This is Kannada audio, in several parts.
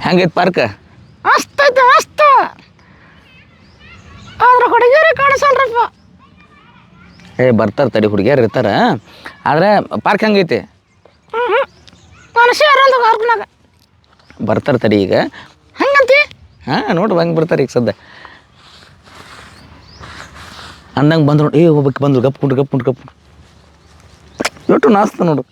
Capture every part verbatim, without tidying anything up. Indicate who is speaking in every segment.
Speaker 1: ಹೆಂಗೈತೆ ಪಾರ್ಕ್?
Speaker 2: ಮಸ್ತ್ ಐತೆ ಮಸ್ತ್. ಆದ್ರೆ ಹುಡುಗಿಯರೇ ಕಾಣಿಸಲ್ರಪ್ಪ.
Speaker 1: ಏ ಬರ್ತಾರೆ ತಡಿ, ಹುಡುಗಿಯರು ಇರ್ತಾರೆ. ಆದರೆ ಪಾರ್ಕ್ ಹೆಂಗೈತಿ?
Speaker 2: ಹ್ಞೂ ಮನುಷ್ಯ ಯಾರಲ್ದು ಪಾರ್ಕ್ನಾಗ
Speaker 1: ಬರ್ತಾರೆ ತಡಿ ಈಗ.
Speaker 2: ಹಂಗಂತಿ?
Speaker 1: ಹಾಂ ನೋಡು ಹಂಗೆ ಬರ್ತಾರೆ ಈಗ ಸದ್ಯ ಅಂದಂಗೆ ಬಂದ್ರು ನೋಡಿ. ಏ ಹೋಗ್ಬೇಕು ಬಂದ್ರು ಗಪ್ ಕುಂಡ್ರು ಗಪ್ ಕುಂಡ್ರು ಗಪ್ ಒಟ್ಟು ನಾಸ್ತ ನೋಡು.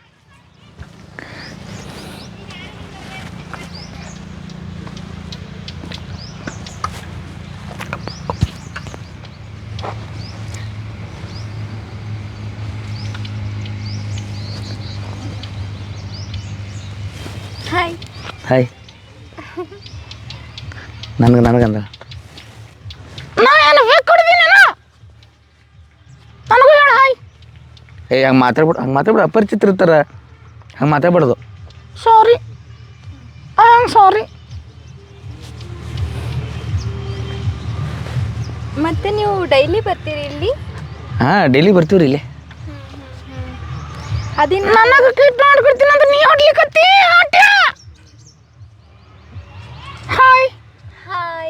Speaker 3: ಹಾಯ್
Speaker 1: ಹಾಯ್ ನನಗೆ ನನಗಂದ
Speaker 2: ನಾ ಏನು ಬೇಕು ಕೊಡ್ತೀನಿ ನನಗೂ ಹೇಳ ಹಾಯ್.
Speaker 1: ಏ ಹಂಗೆ ಮಾತಾಡ್ಬಿಡು ಹಂಗೆ ಮಾತಾಡ್ಬಿಡು ಅಪರಿಚಿತ ಇರ್ತಾರೆ, ಹಂಗೆ ಮಾತಾಡ್ಬಾರ್ದು.
Speaker 2: Sorry I am sorry.
Speaker 3: ಮತ್ತೆ ನೀವು ಡೈಲಿ ಬರ್ತೀರಿ ಇಲ್ಲಿ?
Speaker 1: ಹಾಂ ಡೈಲಿ ಬರ್ತೀವಿ ರೀ ಇಲ್ಲಿ.
Speaker 3: ಅದಿನ್ನ
Speaker 2: ನನಗೆ ಕಿಟ್ ಮಾಡ್ಕೊಡ್ತೀನಿ ಅಂತ ನೀ ಹೊಡ್ಲಿಕ್ಕತ್ತಿ ಆಟ್ಯ. Hi
Speaker 3: hi.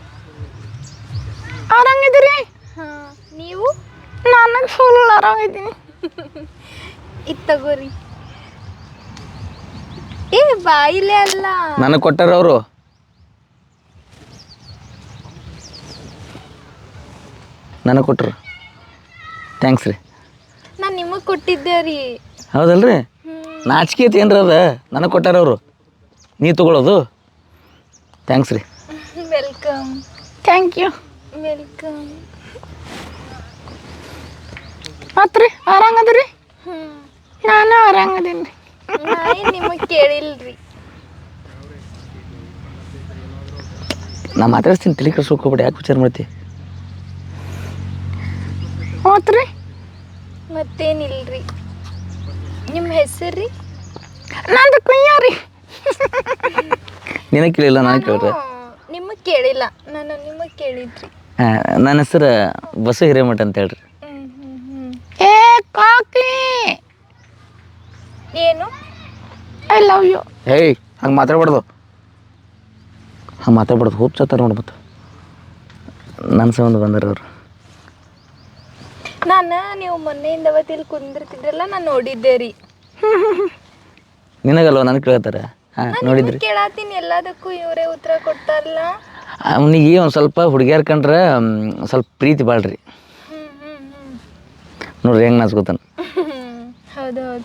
Speaker 2: ಆರಾಮಿದ್ದೀರಿ?
Speaker 3: ಹಾಂ ನೀವು?
Speaker 2: ನನಗೆ ಫುಲ್ ಆರಾಮಿದ್ದೀನಿ.
Speaker 3: ಇದು ತಗೋರಿ. ಏ ಬಾಯಿಲೆ ಅಲ್ಲ,
Speaker 1: ನನಗೆ ಕೊಟ್ಟಾರ ಅವರು. ನನಗೆ ಕೊಟ್ಟರು, ಥ್ಯಾಂಕ್ಸ್ ರೀ.
Speaker 3: ನಾನು ನಿಮಗೆ ಕೊಟ್ಟಿದ್ದೆ ರೀ.
Speaker 1: ಹೌದಲ್ರಿ? ನಾಚಿಕೆ ಐತಿ ಏನ್ರ ಅದ? ನನಗೆ ಕೊಟ್ಟಾರ ಅವರು, ನೀ ತೊಗೊಳೋದು. ಥ್ಯಾಂಕ್ಸ್ ರೀ.
Speaker 3: ವೆಲ್ಕಮ್.
Speaker 2: Thank you.
Speaker 3: ವೆಲ್ಕಮ್.
Speaker 2: ಮತ್ತು ರೀ ಆರಾಮದಿರಿ?
Speaker 3: ಹ್ಞೂ
Speaker 2: ನಾನು ಆರಾಮದೀನಿ ರೀ.
Speaker 3: ನಾ ಏನು ನಿಮಗೆ ಕೇಳಿಲ್ರಿ.
Speaker 1: ನಾ ಮಾತಾಡ್ತೀನಿ, ತಲೆ ಕೆಡ್ಸ್ಕೊಕ್ ಹೋಗ್ಬೇಡಿ. ಯಾಕೆ ವಿಚಾರ ಮಾಡ್ತಿ?
Speaker 2: ಹೋತ್ ರೀ?
Speaker 3: ಮತ್ತೇನಿಲ್ರಿ. ನಿಮ್ಮ ಹೆಸರು ರೀ?
Speaker 2: ನಂದು ಕುಯ್ಯ ರೀ.
Speaker 1: ನಿನಗೆ ಕೇಳಿಲ್ಲ, ನಾನು ಕೇಳ್ರೆ.
Speaker 3: ನಿಮಗೆ ಕೇಳಿಲ್ಲ, ನಾನು ನಿಮಗೆ ಕೇಳಿದ್ರಿ.
Speaker 1: ಹಾಂ ನನ್ನ ಹೆಸರು ಬಸು ಹಿರೇಮಠ ಅಂತ ಹೇಳ್ರಿ.
Speaker 3: ಹ್ಞೂ ಹ್ಞೂ ಹ್ಞೂ.
Speaker 2: ಏ ಕಾಕಿ
Speaker 3: ಏನು?
Speaker 2: I love you.
Speaker 1: ಹೇಯ್ ಹಂಗೆ ಮಾತಾಡ್ಬಾರ್ದು, ಹಂಗೆ ಮಾತಾಡ್ಬಾರ್ದು. ಹೋಪ್ ಚತ್ತಾರ ನೋಡಿ. ಮತ್ತು ನನ್ನ ಸಂಬಂಧ ಬಂದಾರ ಅವರು.
Speaker 3: ನಾನು ನೀವು ಮೊನ್ನೆಯಿಂದ ಅವತ್ತು ಇಲ್ಲಿ ಕುಂದಿರ್ತಿದ್ರಲ್ಲ, ನಾನು ನೋಡಿದ್ದೆ ರೀ.
Speaker 1: ನಿನಗಲ್ವ ನನಗೆ ಕೇಳ್ತಾರೆ. ಹಾಂ ನೋಡಿದ್ರಿ.
Speaker 3: ಕೇಳತ್ತೀನಿ ಎಲ್ಲದಕ್ಕೂ ಇವರೇ ಉತ್ತರ ಕೊಡ್ತಾರಲ್ಲ.
Speaker 1: ಅವನಿಗೆ ಒಂದು ಸ್ವಲ್ಪ ಹುಡುಗಿಯರ್ ಕಂಡ್ರೆ ಸ್ವಲ್ಪ ಪ್ರೀತಿ ಬಾಳ್ರಿ.
Speaker 3: ಹ್ಞೂ ಹ್ಞೂ ಹ್ಞೂ.
Speaker 1: ನೋಡ್ರಿ ಹೆಂಗೆ ನಾಚ್ಕೋತಾನ.
Speaker 3: ಹೌದು ಹೌದು.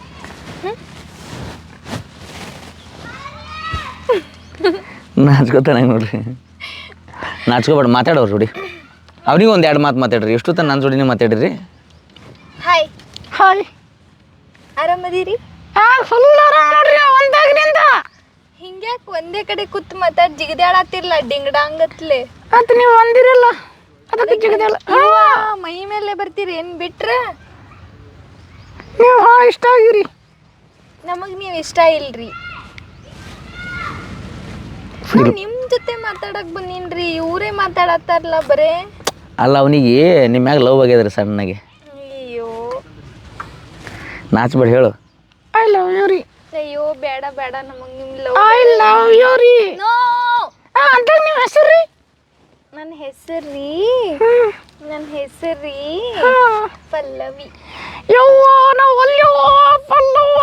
Speaker 1: ನಾಚ್ಕೋತಾನೆ ಹೆಂಗೆ ನೋಡ್ರಿ. ನಾಚ್ಕೋಬೇಡ, ಮಾತಾಡೋರು ಜೋಡಿ. ಅವ್ನಿಗೆ ಒಂದು ಎರಡು ಮಾತು ಮಾತಾಡ್ರಿ. ಎಷ್ಟು ತನ ನನ್ನ ಜೋಡಿನೇ ಮಾತಾಡ್ರಿ.
Speaker 3: ಹಾಯ್.
Speaker 2: ಹಾಯ್.
Speaker 3: ಆರಾಮದಿರಿ?
Speaker 2: ಹಾಂ ಫುಲ್ ಆರಾಮ ನೋಡ್ರಿ ಒಂದಾಗ್ರಿಂದ.
Speaker 3: ಹಿಂಗ್ಯಾಕೆ ಒಂದೇ ಕಡೆ ಕೂತ್ ಮಾತಾಡಿ ಜಿಗದಾಡತ್ತಿರ್ಲ ಡಿಂಗಡಾಂಗತ್ಲೆ?
Speaker 2: ಅದು ನೀವು ಅಂದಿರಲ್ಲ ಅದಕ್ಕೆ ಜಿಗದಲ್ಲ.
Speaker 3: ಮೈ ಮೇಲೆ ಬರ್ತೀರಿ ಏನು ಬಿಟ್ರೆ?
Speaker 2: ನೀವು ಹಾಂ ಇಷ್ಟ ಆಗಿರಿ.
Speaker 3: ನಮಗೆ ನೀವು ಇಷ್ಟ ಇಲ್ರಿ. ನಿಮ್ಮ ಜೊತೆ ಮಾತಾಡಕ್ ಬಂದೀನ್ರಿ, ಇವರೇ ಮಾತಾಡತ್ತಾರಲ್ಲ ಬರೇ.
Speaker 1: ಅಲ್ಲ ಅವನಿಗೆ ನಿಮ್ಮ ಮ್ಯಾಗ ಲವ್ ಆಗ್ಯದ್ರಿ ಸಣ್ಣಗೆ.
Speaker 3: ಅಯ್ಯೋ
Speaker 1: ನಾಚ್ಬೇಡ ಹೇಳು.
Speaker 2: ಐ ಲವ್ ಯು ರೀ.
Speaker 3: ಅಯ್ಯೋ ಬೇಡ ಬೇಡ, ನಮಗೆ ನಿಮ್ಮ ಲವ್.
Speaker 2: ಐ ಲವ್ ಯು ರೀ.
Speaker 3: ನೋ.
Speaker 2: ಅಂತ ನಿಮ್ಮ ಹೆಸರು ರೀ?
Speaker 3: ನನ್ನ ಹೆಸರು ರೀ ನನ್ನ ಹೆಸರು ರೀ ಪಲ್ಲವಿ.
Speaker 2: ಯವ್ವ ನಾವು ಅಲ್ಯವ್ವ ಪಲ್ಲವ್ವ.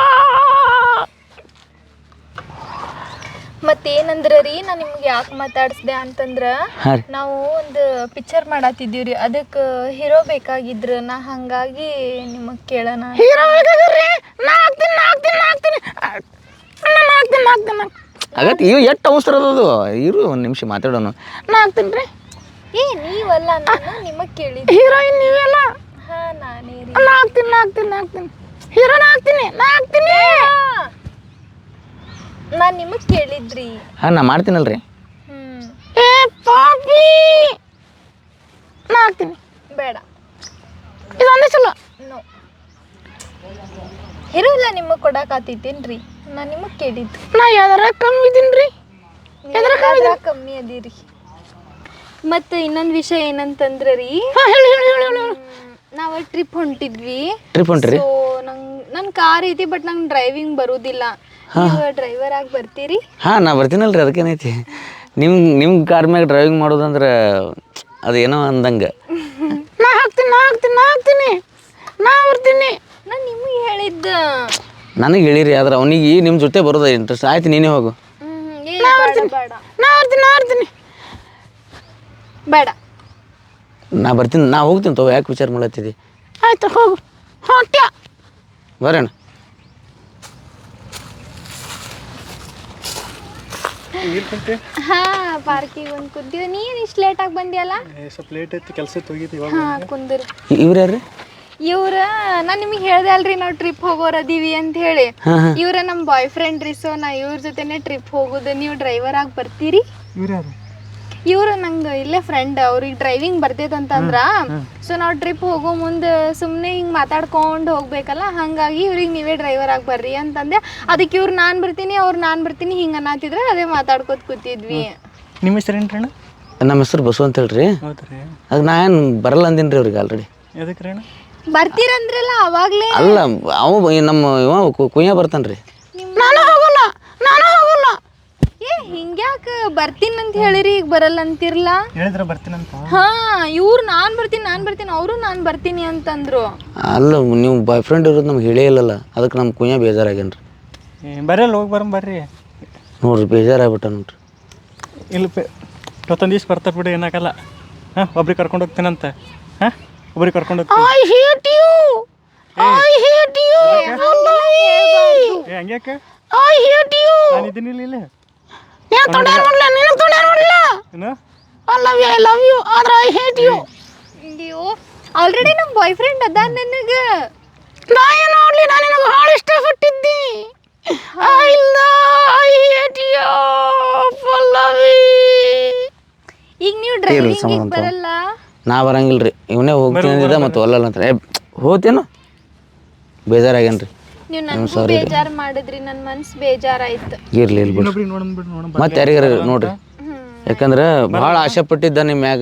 Speaker 3: ಮತ್ತೇನಂದ್ರ ರೀ, ನಾನು ನಿಮ್ಗೆ ಯಾಕೆ ಮಾತಾಡಿಸ್ದೆ ಅಂತಂದ್ರೆ,
Speaker 1: ಹಾಂ ರೀ.
Speaker 3: ನಾವು ಒಂದು ಪಿಕ್ಚರ್ ಮಾಡತ್ತಿದ್ದೀವಿ ರೀ, ಅದಕ್ಕೆ ಹೀರೋ ಬೇಕಾಗಿದ್ರು. ನಾ ಹಾಗಾಗಿ ನಿಮಗೆ ಕೇಳೋಣ.
Speaker 2: ಹೀರೋ ಬೇಕಾಗಿರ್ರಿ? ನಾ ಹಾಕ್ತೀನಿ ನಾ ಹಾಕ್ತೀನಿ ನಾ ಹಾಕ್ತೀನಿ ನಾ ಹಾಕ್ತೀನಿ ನಾ ಹಾಕ್ತೀನಿ.
Speaker 1: ಆಗತ್ತೆ ಇವು ಎಷ್ಟು ಅವಸರ ಅದದು. ಇರು ಒಂದು ನಿಮಿಷ ಮಾತಾಡೋಣ.
Speaker 2: ನಾ ಹಾಕ್ತೀನಿ ರೀ.
Speaker 3: ಏ ನೀವಲ್ಲ, ನಾನು ನಿಮಗೆ ಕೇಳಿದ್ದೆ.
Speaker 2: ಹೀರೋಯಿನ್ ನೀವೆಲ್ಲ?
Speaker 3: ಹಾಂ ನಾನೇ ರೀ.
Speaker 2: ನಾ ಹಾಕ್ತೀನಿ ನಾ ಹಾಕ್ತೀನಿ ನಾ ಹಾಕ್ತೀನಿ ಹೀರೋ ನಾ ಹಾಕ್ತೀನಿ ನಾ ಹಾಕ್ತೀನಿ.
Speaker 3: ನಾನು ನಿಮಗೆ ಕೇಳಿದ್ರಿ.
Speaker 1: ಹಾಂ ನಾ ಮಾಡ್ತೀನಲ್ರಿ.
Speaker 3: ಹ್ಞೂ.
Speaker 2: ಏ ಪಾಪಿ ನಾ ಹಾಕ್ತೀನಿ.
Speaker 3: ಬೇಡ,
Speaker 2: ಇದೊಂದೇ ಚಲೋ.
Speaker 3: ನೋ, ಹೀರೋ ಇಲ್ಲ ನಿಮಗೆ ಕೊಡಕಾತಿತ್ತೇನ್ರಿ? ನಾನು ನಿಮಗೆ ಕೇಳಿದ್ದು.
Speaker 2: ನಾ ಯಾವ್ದಾರ ಕಮ್ಮಿ ಇದೀನಿ ರೀ? ಎದ್ರ ಕಮ್ಮಿ
Speaker 3: ಕಮ್ಮಿ ಅದೀರಿ. ಮತ್ತು ಇನ್ನೊಂದು ವಿಷಯ ಏನಂತಂದ್ರೆ ರೀ,
Speaker 2: ಹಾಂ ಹೇಳಿ ಹೇಳಿ ಹೇಳಿ ಹೇಳಿ.
Speaker 3: ನಾವು ಟ್ರಿಪ್ ಹೊಂಟಿದ್ವಿ.
Speaker 1: ಟ್ರಿಪ್ ಹೊಂಟ್ರಿ?
Speaker 3: ಸೊ ನಂಗೆ ನನ್ನ ಕಾರ್ ಐತಿ ಬಟ್ ನಂಗೆ ಡ್ರೈವಿಂಗ್ ಬರುವುದಿಲ್ಲ. ನೀವು ಡ್ರೈವರ್ ಆಗಿ ಬರ್ತೀರಿ?
Speaker 1: ಹಾಂ ನಾ ಬರ್ತೀನಲ್ರಿ, ಅದಕ್ಕೇನೈತಿ. ನಿಮ್ಮ ನಿಮ್ಮ ಕಾರ್ ಮ್ಯಾಗ ಡ್ರೈವಿಂಗ್ ಮಾಡೋದಂದ್ರೆ ಅದು ಏನೋ ಅಂದಂಗೆ.
Speaker 2: ನಾ ಹಾಕ್ತೀನಿ ನಾ ಹಾಕ್ತೀನಿ ನಾ ಹಾಕ್ತೀನಿ ನಾ ಬರ್ತೀನಿ.
Speaker 3: ನಾನು ನಿಮಗೆ ಹೇಳಿದ್ದ.
Speaker 1: ನನಗೆ ಹೇಳಿರಿ, ಆದ್ರೆ ಅವನಿಗೆ ನಿಮ್ಮ ಜೊತೆ ಬರೋದ ಇಂಟ್ರೆಸ್ಟ್. ಆಯ್ತು ನೀನೇ ಹೋಗು.
Speaker 3: ಬೇಡ ಬೇಡ
Speaker 2: ನಾ ಬರ್ತೀನಿ ನಾ ಬರ್ತೀನಿ.
Speaker 3: ಬೇಡ
Speaker 1: ನಾ ಬರ್ತೀನಿ, ನಾ ಹೋಗ್ತೀನಿ ತಗೋ. ಯಾಕೆ ವಿಚಾರ ಮಾಡತ್ತಿದ್ದಿ?
Speaker 2: ಆಯ್ತು ಹೋಗು. ಹೊಟ್ಯ
Speaker 1: ಬರೋಣ.
Speaker 3: ಹಾ ಪಾರ್ಕಿಗೆ ಒಂದು ಕುಂತಿದ್ದೆ. ನೀನು ಇಷ್ಟು ಲೇಟಾಗಿ ಬಂದಿಯಲ್ಲ?
Speaker 4: ಸ್ವಲ್ಪ ಲೇಟ್ ಐತಿ, ಕೆಲಸ ಹೋಗಿದ್ದೆ ಇವಾಗ.
Speaker 3: ಹಾಂ ಕುಂದಿರಿ.
Speaker 1: ಇವ್ರು ಯಾರು?
Speaker 3: ಇವ್ರ ನಾನು ನಿಮಗೆ ಹೇಳ್ದೆ ಅಲ್ರಿ ನಾವು ಟ್ರಿಪ್ ಹೋಗೋರು ಅದೀವಿ ಅಂತ ಹೇಳಿ. ಇವ್ರ ನಮ್ಮ ಬಾಯ್ ಫ್ರೆಂಡ್ ರೀ. ಸೊ ನಾ ಇವ್ರ ಜೊತೆನೆ ಟ್ರಿಪ್ ಹೋಗೋದು. ನೀವು ಡ್ರೈವರ್ ಆಗಿ ಬರ್ತೀರಿ?
Speaker 4: ಇವ್ರು ಯಾರು?
Speaker 3: ಇವ್ರು ನಂಗೆ ಇಲ್ಲೇ ಫ್ರೆಂಡ್, ಅವ್ರಿಗೆ ಡ್ರೈವಿಂಗ್ ಬರ್ತೈತಂತಂದ್ರ. ಸೊ ನಾವು ಟ್ರಿಪ್ ಹೋಗೋ ಮುಂದೆ ಸುಮ್ಮನೆ ಹಿಂಗೆ ಮಾತಾಡ್ಕೊಂಡು ಹೋಗ್ಬೇಕಲ್ಲ, ಹಾಗಾಗಿ ಇವ್ರಿಗೆ ನೀವೇ ಡ್ರೈವರ್ ಆಗಿ ಬರ್ರಿ ಅಂತಂದೆ. ಅದಕ್ಕೆ ಇವ್ರು ನಾನು ಬರ್ತೀನಿ ಅವ್ರು ನಾನು ಬರ್ತೀನಿ ಹಿಂಗೆ ಅನ್ನತ್ತಿದ್ರೆ ಅದೇ ಮಾತಾಡ್ಕೊತ ಕೂತಿದ್ವಿ.
Speaker 4: ನಿಮ್ಮ ಹೆಸರು ಏನು ಅಣ್ಣ?
Speaker 1: ನಮ್ಮ ಹೆಸರು ಬಸು ಅಂತ ಹೇಳ್ರಿ.
Speaker 4: ಹೌದ್ರಿ.
Speaker 1: ಅದು ನಾ ಏನು ಬರಲ್ಲ ಅಂದಿನಿ ರೀ ಅವ್ರಿಗೆ ಆಲ್ರೆಡಿ.
Speaker 4: ಎದಕ್ಕೆ ರೀ ಅಣ್ಣ?
Speaker 3: ಬರ್ತೀರಂದ್ರಲ್ಲ ಅವಾಗಲೇ.
Speaker 1: ಅಲ್ಲ ಅವ ನಮ್ಮ ಇವ ಕುಯ್ಯ ಬರ್ತಾನೆ ರೀ.
Speaker 2: ನಾನು ಹೋಗಲ್ಲ ನಾನು ಹೋಗಲ್ಲ.
Speaker 3: ಏ ಹಿಂಗ್ಯಾಕೆ ಬರ್ತೀನಿ ಅಂತ ಹೇಳಿರಿ, ಈಗ ಬರಲ್ಲ ಅಂತಿರ್ಲ?
Speaker 4: ಹೇಳಿದ್ರೆ ಬರ್ತೀನಂತ.
Speaker 3: ಹಾ ಇವ್ರು ನಾನು ಬರ್ತೀನಿ ನಾನು ಬರ್ತೀನಿ ಅವರು ನಾನು ಬರ್ತೀನಿ ಅಂತಂದ್ರು.
Speaker 1: ಅಲ್ಲ ನೀವು ಬಾಯ್ ಫ್ರೆಂಡ್ ಇರೋದು ನಮ್ಗೆ ಹೇಳೇ ಇಲ್ಲಲ್ಲ, ಅದಕ್ಕೆ ನಮ್ಮ ಕುಯ್ಯ ಬೇಜಾರಾಗ್ಯಾನ್ರಿ.
Speaker 4: ಬರಲ್ಲ, ಹೋಗಿ ಬರಂ ಬರ್ರಿ.
Speaker 1: ನೋಡ್ರಿ ಬೇಜಾರಾಗ್ಬಿಟ್ಟ ನೋಡ್ರಿ.
Speaker 4: ಇಲ್ಲ ಪೆ ಇವತ್ತೊಂದು ದಿವ್ಸ ಬರ್ತಾರೆ ಬಿಡಿ, ಏನಾಗಲ್ಲ. ಹಾಂ ಒಬ್ರಿಗೆ ಕರ್ಕೊಂಡು ಹೋಗ್ತೀನಂತ. ಹಾಂ ಒಬ್ರಿಗೆ ಕರ್ಕೊಂಡು ಹೋಗ್ತೀನಿ.
Speaker 2: I hate you I hate you
Speaker 4: ಏ ಹಂಗ್ಯಾಕೆ?
Speaker 2: I hate you.
Speaker 4: ನಾನು ಇದೀನಿ ಇಲ್ಲ ಇಲ್ಲ
Speaker 2: ನೀನು ತೊಂದರೆ ನೋಡಲ್ಲ ನೀನು ತೊಂದರೆ ನೋಡಲ್ಲ.
Speaker 4: ಏನು?
Speaker 2: I love you I love you ಆದ್ರೆ ಐ ಹೇಟ್ ಯು.
Speaker 3: ಅಯ್ಯೋ ಆಲ್ರೆಡಿ ನಮ್ಮ ಬಾಯ್ ಫ್ರೆಂಡ್ ಅದ ನನಗೆ.
Speaker 2: ನಾ ಏನು ನೋಡ್ಲಿ, ನಾನು ನಿನಗೆ ಭಾಳ ಇಷ್ಟಪಟ್ಟಿದ್ದಿ. I love I hate you Pallavi.
Speaker 3: ಈಗ ನೀವು ಡ್ರೈವಿಂಗ್ ಬರಲ್ಲ?
Speaker 1: ನಾ ಬರಂಗಿಲ್ಲ ರೀ, ಇವನೇ ಹೋಗ್ತೀನಿ ಅಂದಿದ್ದ ಮತ್ತು ಒಲ್ಲಲ್ಲ ಅಂತ. ಏ ಹೋತೇನು ಬೇಜಾರಾಗ್ಯಾನ್ರಿ.
Speaker 3: ನೀವು ನನಗೂ ಬೇಜಾರು ಮಾಡಿದ್ರಿ, ನನ್ನ ಮನ್ಸು ಬೇಜಾರಾಯ್ತು.
Speaker 1: ಇರ್ಲಿ ಇರ್ಲಿ ಬಿಡ್ರಿ,
Speaker 4: ಇನ್ನೊಬ್ರಿಗೆ ನೋಡೋಣ ಬಿಡು ನೋಡೋಣ.
Speaker 1: ಮತ್ತೆ ಯಾರಿಗಾರ ನೋಡ್ರಿ. ಯಾಕಂದ್ರೆ ಭಾಳ ಆಸೆ ಪಟ್ಟಿದ್ದ ನಿಮ್ಮ ಮ್ಯಾಗ.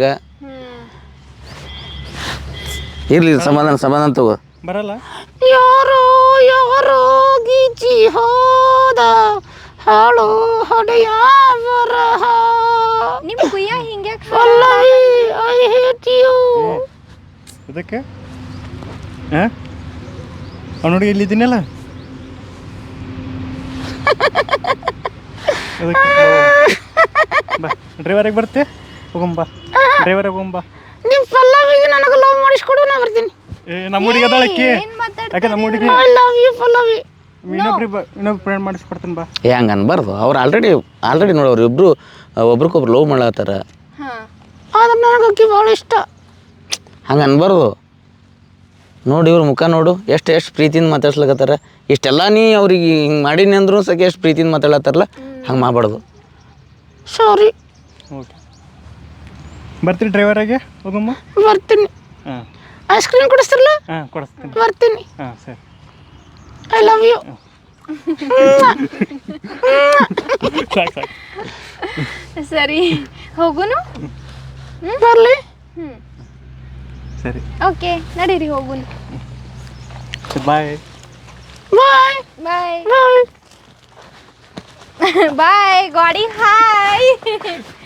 Speaker 1: ಇರ್ಲಿ ಸಮಾಧಾನ ಸಮಾಧಾನ ತಗೋ.
Speaker 4: ಬರಲ್ಲ?
Speaker 2: ಯಾರೋ ಯಾರೋ ಗೀಚಿ ಹೋದ ಹಾಳು ಹೊಡೆಯ ಬರಹ.
Speaker 3: ನಿಮ್ಮ ಕುಯ್ಯ ಹಿಂಗ್ಯಾಕೆ?
Speaker 2: Pallavi I hate you.
Speaker 4: ಇದಕ್ಕೆ ಹಾಂ ಅವ್ನು ನೋಡಿ ಇಲ್ಲಿದ್ದೀನಲ್ಲ. ಬಾ ಡ್ರೈವರಿಗೆ ಬರ್ತೆ ಹೋಗಂಬ. ಡ್ರೈವರಿಗೆ ಹೋಗಂಬ.
Speaker 2: ನಿಮ್ಮ ಪಲ್ಲವಿಗೆ ನನಗೆ ಲವ್ ಮಾಡಿಸ್ಕೊಡು, ನಾ ಬರ್ತೀನಿ.
Speaker 4: ಏ ನಮ್ಮ ಹುಡುಗಿ ಅದಾಳಕ್ಕಿ.
Speaker 3: ಏನ್ ಮಾತಾಡ್ತಾ
Speaker 4: ಯಾಕೆ ನಮ್ಮ ಹುಡುಗಿ?
Speaker 2: I love you Pallavi.
Speaker 4: ಇನ್ನೊಬ್ರಿ ಬ ಇನ್ನೊಬ್ರು ಫ್ರೆಂಡ್ ಮಾಡಿಸ್ಕೊಡ್ತೀನಿ ಬಾ.
Speaker 1: ಏ ಹಂಗೆ ಅನ್ಬಾರ್ದು. ಅವ್ರು ಆಲ್ರೆಡಿ ಆಲ್ರೆಡಿ ನೋಡೋರು ಇಬ್ಬರು ಒಬ್ರಿಗೊಬ್ರು ಲವ್ ಮಾಡತ್ತಾರ.
Speaker 3: ಹಾಂ
Speaker 2: ಆದ್ರೆ ನನಗೆ ಅಕ್ಕಿ ಭಾಳ ಇಷ್ಟ.
Speaker 1: ಹಂಗೆ ಅನ್ಬಾರ್ದು. ನೋಡಿ ಇವ್ರ ಮುಖ ನೋಡು, ಎಷ್ಟು ಎಷ್ಟು ಪ್ರೀತಿಯಿಂದ ಮಾತಾಡ್ಸ್ಲಕತ್ತಾರ. ಇಷ್ಟೆಲ್ಲ ನೀ ಅವ್ರಿಗೆ ಹಿಂಗೆ ಮಾಡೀನಿ ಅಂದ್ರೂ ಸಕೆ ಎಷ್ಟು ಪ್ರೀತಿಯಿಂದ ಮಾತಾಡತ್ತಾರಲ್ಲ, ಹಂಗೆ ಮಾಡಬಾರ್ದು.
Speaker 2: ಸಾರಿ.
Speaker 4: ಓಕೆ ಬರ್ತೀರಿ ಡ್ರೈವರಾಗೆ ಹೋಗಮ್ಮ.
Speaker 2: ಬರ್ತೀನಿ.
Speaker 4: ಹಾಂ
Speaker 2: ಐಸ್ ಕ್ರೀಮ್ ಕೊಡಿಸ್ತಿರಲ್ಲ?
Speaker 4: ಹಾಂ ಕೊಡಿಸ್ತೀನಿ.
Speaker 2: ಬರ್ತೀನಿ.
Speaker 4: ಹಾಂ ಸರಿ.
Speaker 2: I love you.
Speaker 4: ಸಾಕು ಸಾಕು.
Speaker 3: ಸರಿ ಹೋಗುನು.
Speaker 2: ಬರಲಿ.
Speaker 3: ಹ್ಞೂ
Speaker 4: ಸರಿ
Speaker 3: ಓಕೆ ನಡೀರಿ ಹೋಗುನು.
Speaker 4: ಬಾಯ್
Speaker 2: ಬಾಯ್
Speaker 3: ಬಾಯ್
Speaker 2: ಬಾಯ್
Speaker 3: ಬಾಯ್ ಗಾಡಿ ಹಾಯ್.